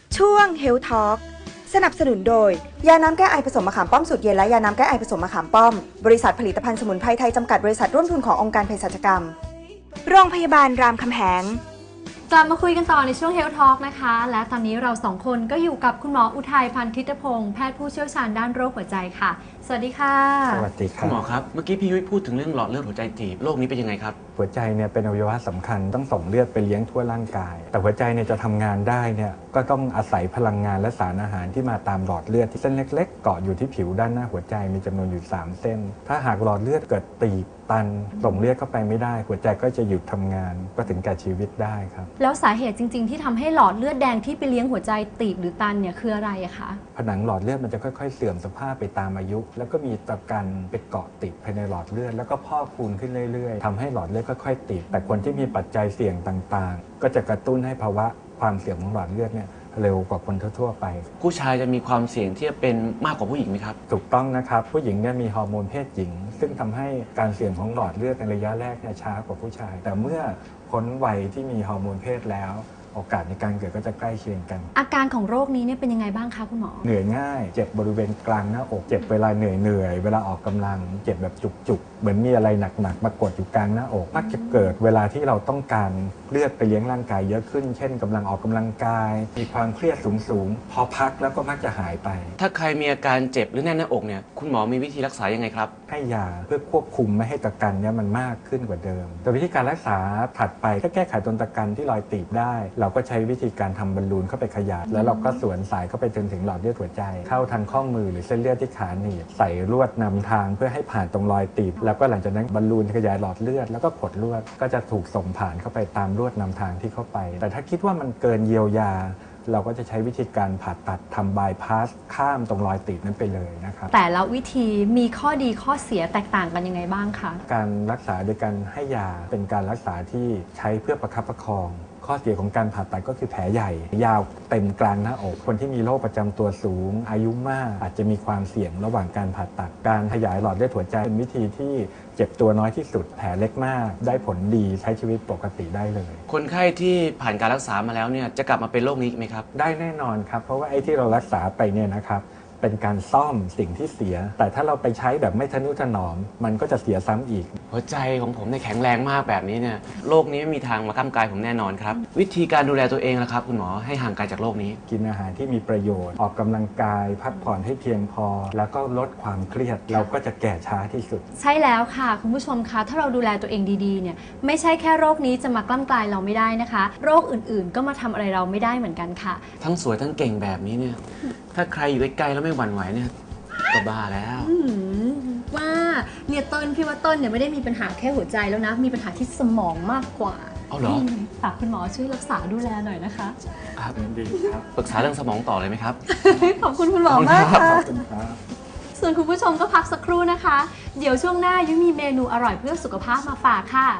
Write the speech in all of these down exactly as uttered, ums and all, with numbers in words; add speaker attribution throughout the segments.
Speaker 1: ช่วง Health Talk สนับสนุนโดยยาน้ำแก้ไอผสมมะขามป้อมสูตรเย็นและยาน้ำแก้ไอผสมมะขามป้อมบริษัทผลิตภัณฑ์สมุนไพรไทยจำกัดบริษัทร่วมทุนขององค์การเภสัชกรรมโรงพยาบาลรามคำแหง
Speaker 2: กลับมาคุยกันต่อในช่วง Health Talk นะคะและตอนนี้เราสองคนก็อยู่กับคุณหมออุทัยพันธ์ทิตพงศ์แพทย์ผู้เชี่ยวชาญด้านโรคหัวใจค่ะสวัสดีค่ะ
Speaker 3: สวัสดีครับ
Speaker 4: คุณหมอครับเมื่อกี้พี่ยุ้ยพูดถึงเรื่องหลอดเลือดหัวใจตีบโรคนี้เป็นยังไงครับ
Speaker 3: หัวใจเนี่ยเป็นอวัยวะสำคัญต้องส่งเลือดไปเลี้ยงทั่วร่างกายแต่หัวใจเนี่ยจะทำงานได้เนี่ยก็ต้องอาศัยพลังงานและสารอาหารที่มาตามหลอดเลือดที่เส้นเล็กๆเกาะอยู่ที่ผิวด้านหน้าหัวใจมีจำนวนอยู่สามเส้นถ้าหากหลอดเลือดเกิดตีบตันส่งเลือดเข้าไปไม่ได้หัวใจก็จะหยุดทำงานก็ถึงแก่ชีวิตได้ครับ
Speaker 2: แล้วสาเหตุจริงๆที่ทำให้หลอดเลือดแดงที่ไปเลี้ยงหัวใจตีบหรือตันเนี่ยคืออะไรอะคะ
Speaker 3: ผนังหลอดเลือดมันจะค่อยๆเสื่อมสภาพไปตามอายุแล้วก็มีตะกันไปเกาะติดภายในหลอดเลือดแล้วก็พอกพูนขึ้นเรื่อยๆทำให้หลอดเลือดค่อยๆติดแต่คนที่มีปัจจัยเสี่ยงต่างๆก็จะกระตุ้นให้ภาวะความเสื่อมของหลอดเลือดเนี่ยเร็วกว่าคนทั่วๆไป
Speaker 4: ผู้ชายจะมีความเสี่ยงที่จะเป็นมากกว่าผู้หญิงไหมครับ
Speaker 3: ถูกต้องนะครับผู้หญิงเนี่ยมีฮอร์โมนเพศหญิงซึ่งทำให้การเสื่อมของหลอดเลือดในระยะแรกเนี่ยช้ากว่าผู้ชายแต่เมื่อพ้นวัยที่มีฮอร์โมนเพศแล้วโอกาสในการเกิดก็จะใกล้เคียงกัน
Speaker 2: อาการของโรคนี้เนี่ยเป็นยังไงบ้างคะคุณหมอ
Speaker 3: เหนื่อยง่ายเจ็บบริเวณกลางหน้าอกเจ็บเวลาเหนื่อยเหนื่อยเวลาออกกำลังเจ็บแบบจุกๆเหมือนมีอะไรหนักๆมากดอยู่กลางหน้าอกมักจะเกิดเวลาที่เราต้องการเลือดไปเลี้ยงร่างกายเยอะขึ้นเช่นกำลังออกกำลังกายมีความเครียดสูงๆพอพักแล้วก็มักจะหายไป
Speaker 4: ถ้าใครมีอาการเจ็บหรือแน่นหน้าอกเนี่ยคุณหมอมีวิธีรักษายังไงครับ
Speaker 3: ให้ยาเพื่อควบคุมไม่ให้ตะกันเนี่ยมันมากขึ้นกว่าเดิมแต่วิธีการรักษาถัดไปถ้าแก้ไขตนตะกันที่รอยตีบได้เราก็ใช้วิธีการทำบอลลูนเข้าไปขยายแล้วเราก็สวนสายเข้าไปจนถึงหลอดเลือดหัวใจเข้าทางข้อมือหรือเส้นเลือดที่ขาหนีบใส่ลวดนำทางเพื่อให้ผ่านตรงรอยตีบแล้วก็หลังจากนั้นบอลลูนขยายหลอดเลือดแล้วก็กดลวดก็จะถูกส่งผ่านเข้าไปตามลวดนำทางที่เข้าไปแต่ถ้าคิดว่ามันเกินเยียวยาเราก็จะใช้วิธีการผ่าตัดทำบายพาสข้ามตรงรอยตีบนั้นไปเลยนะครับ
Speaker 2: แต่ละวิธีมีข้อดีข้อเสียแตกต่างกันยังไงบ้างคะ
Speaker 3: การรักษาโดยการให้ยาเป็นการรักษาที่ใช้เพื่อประคับประคองข้อเสียของการผ่าตัดก็คือแผลใหญ่ยาวเต็มกลางหน้าอกคนที่มีโรคประจำตัวสูงอายุมากอาจจะมีความเสี่ยงระหว่างการผ่าตัดการขยายหลอดเลือดหัวใจเป็นวิธีที่เจ็บตัวน้อยที่สุดแผลเล็กมากได้ผลดีใช้ชีวิตปกติได้เลย
Speaker 4: คนไข้ที่ผ่านการรักษามาแล้วเนี่ยจะกลับมาเป็นโรคนี้ไหมครับ
Speaker 3: ได้แน่นอนครับเพราะว่าไอ้ที่เรารักษาไปเนี่ยนะครับเป็นการซ่อมสิ่งที่เสียแต่ถ้าเราไปใช้แบบไม่ทะนุถนอมมันก็จะเสียซ้ำอีก
Speaker 4: หัวใจของผมเนี่ยแข็งแรงมากแบบนี้เนี่ยโรคนี้ไม่มีทางมาก้ำกายผมแน่นอนครับวิธีการดูแลตัวเองล่ะครับคุณหมอให้ห่างไกลจากโรคนี้
Speaker 3: กินอาหารที่มีประโยชน์ออกกำลังกายพักผ่อนให้เพียงพอแล้วก็ลดความเครียดเราก็จะแก่ช้าที่สุด
Speaker 2: ใช่แล้วค่ะคุณผู้ชมคะถ้าเราดูแลตัวเองดีๆเนี่ยไม่ใช่แค่โรคนี้จะมากล้ำกลายเราไม่ได้นะคะโรคอื่นๆก็มาทำอะไรเราไม่ได้เหมือนกันค่ะ
Speaker 4: ทั้งสวยทั้งเก่งแบบนี้เนี่ยถ้าใครอยู่ใกล้ๆแล้วไม่หวั่นไหวเนี่ยก็บ้าแล้ว
Speaker 2: ว่าเนี่ยต้นพี่ว่าต้นเนี่ยไม่ได้มีปัญหาแค่หัวใจแล้วนะมีปัญหาที่สมองมากกว่า
Speaker 4: เอาเหรอ
Speaker 2: ฝากคุณหมอช่วยรักษาดูแลหน่อยนะคะ
Speaker 4: ครับดีครับปรึกษาเรื่องสมองต่อเลยไหมครับ
Speaker 2: ขอบคุณคุณหมอมากค่ะส่วนคุณผู้ชมก็พักสักครู่นะคะเดี๋ยวช่วงหน้ายุ้ยมีเมนูอร่อยเพื่อสุขภาพมาฝากค่ะ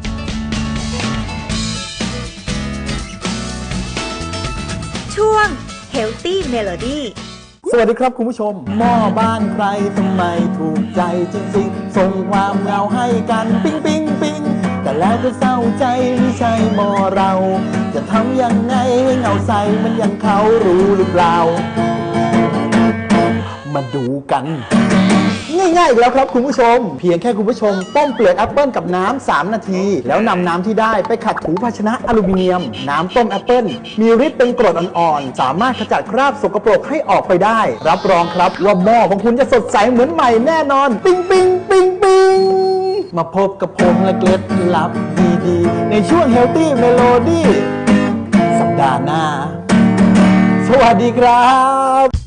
Speaker 1: ช่วง Healthy Melody
Speaker 5: สวัสดีครับคุณผู้ชมหม้อบ้านใครทำไมถูกใจจริงๆส่งความเงาให้กันปิ๊งปิ๊งปิ๊งแต่แล้วก็เศร้าใจไม่ใช่หม้อเราจะทำยังไงให้เงาใสมันยังเขารู้หรือเปล่ามาดูกันง่ายๆอีกแล้วครับคุณผู้ชมเพียงแค่คุณผู้ชมต้มเปลือกแอปเปิลกับน้ำสามนาทีแล้วนำน้ำที่ได้ไปขัดถูภาชนะอลูมิเนียมน้ำต้มแอปเปิลมีฤทธิ์เป็นกรดอ่อนๆสามารถขจัดคราบสกปรกให้ออกไปได้รับรองครับว่าหม้อของคุณจะสดใสเหมือนใหม่แน่นอนปิ๊งปิ๊งปิ๊งปิ๊งมาพบกับผมและเคล็ดลับดีๆในช่วง Healthy Melody สัปดาห์หน้าสวัสดีครับ